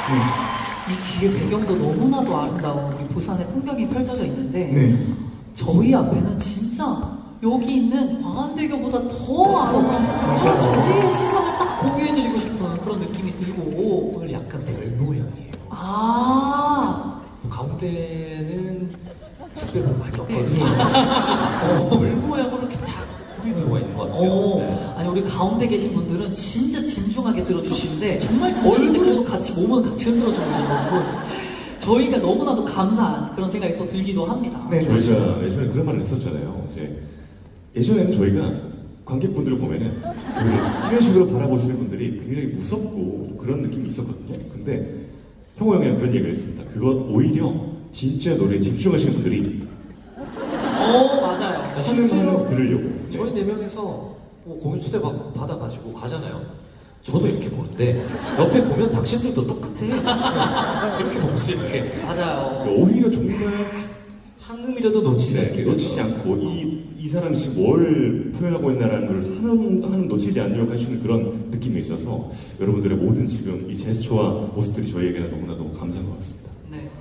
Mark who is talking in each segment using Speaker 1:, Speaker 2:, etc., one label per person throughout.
Speaker 1: 이 뒤에 배경도 너무나도 아름다운 우리 부산의 풍경이 펼쳐져 있는데
Speaker 2: 네.
Speaker 1: 저희 앞에는 진짜 여기 있는 광안대교보다 더 아름다운 풍경이 저희의 시선을 딱 공유해드리고 싶은 그런 느낌이 들고
Speaker 3: 오늘 약간 별 모양이에요.
Speaker 1: 아
Speaker 3: 또 가운데는 숲배가 많이
Speaker 1: 예.
Speaker 3: 없거든요. 별 모양으로 이렇게 다 불이 들어가 있는 것 같아요. 네.
Speaker 1: 아니 우리 가운데 계신 분들은 진짜 진중하게 들어주시는데 정말 진짜신데 그래도 같이 몸은 같이 흔들어주고 계셔가지고 저희가 너무나도 감사한 그런 생각이 또 들기도 합니다.
Speaker 2: 네.
Speaker 4: 저희가 예전에 그런 말을 했었잖아요. 이제 예전에는 저희가 관객분들을 보면은 이런 식으로 바라보시는 분들이 굉장히 무섭고 그런 느낌이 있었거든요. 근데 형호 형이랑 그런 얘기를 했습니다. 그거 오히려 진짜 노래에 집중하시는 분들이
Speaker 1: 맞아요.
Speaker 4: 하는 들으려고.
Speaker 3: 저희 네 명에서 공연 초대 받아가지고 가잖아요. 저도 이렇게 보는데 옆에 보면 당신들도 똑같아. 이렇게 보고 있어요. 이렇게
Speaker 1: 맞아요.
Speaker 4: 그러니까 오히려 정말
Speaker 3: 한 음이라도 놓치지 않게
Speaker 4: 놓치지 않고 이 사람이 지금 뭘 표현하고 있나라는 걸 하나도 놓치지 않으려고 하시는 그런 느낌이 있어서 여러분들의 모든 지금 이 제스처와 모습들이 저희에게는 너무나도 감사한 것 같습니다.
Speaker 1: 네.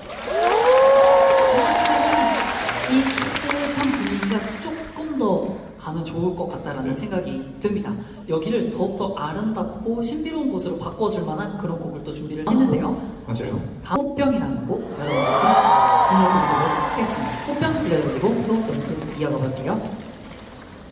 Speaker 1: 이 따뜻한 분위기가 조금 더 가면 좋을 것 같다라는 생각이 듭니다. 여기를 더욱더 아름답고 신비로운 곳으로 바꿔줄 만한 그런 곡을 또 준비를 했는데요.
Speaker 2: 맞아요.
Speaker 1: 다음 꽃병이라는 곡 여러분께 들려드리도록 하겠습니다. 꽃병 들려드리고 또 멘트 이어가 볼게요.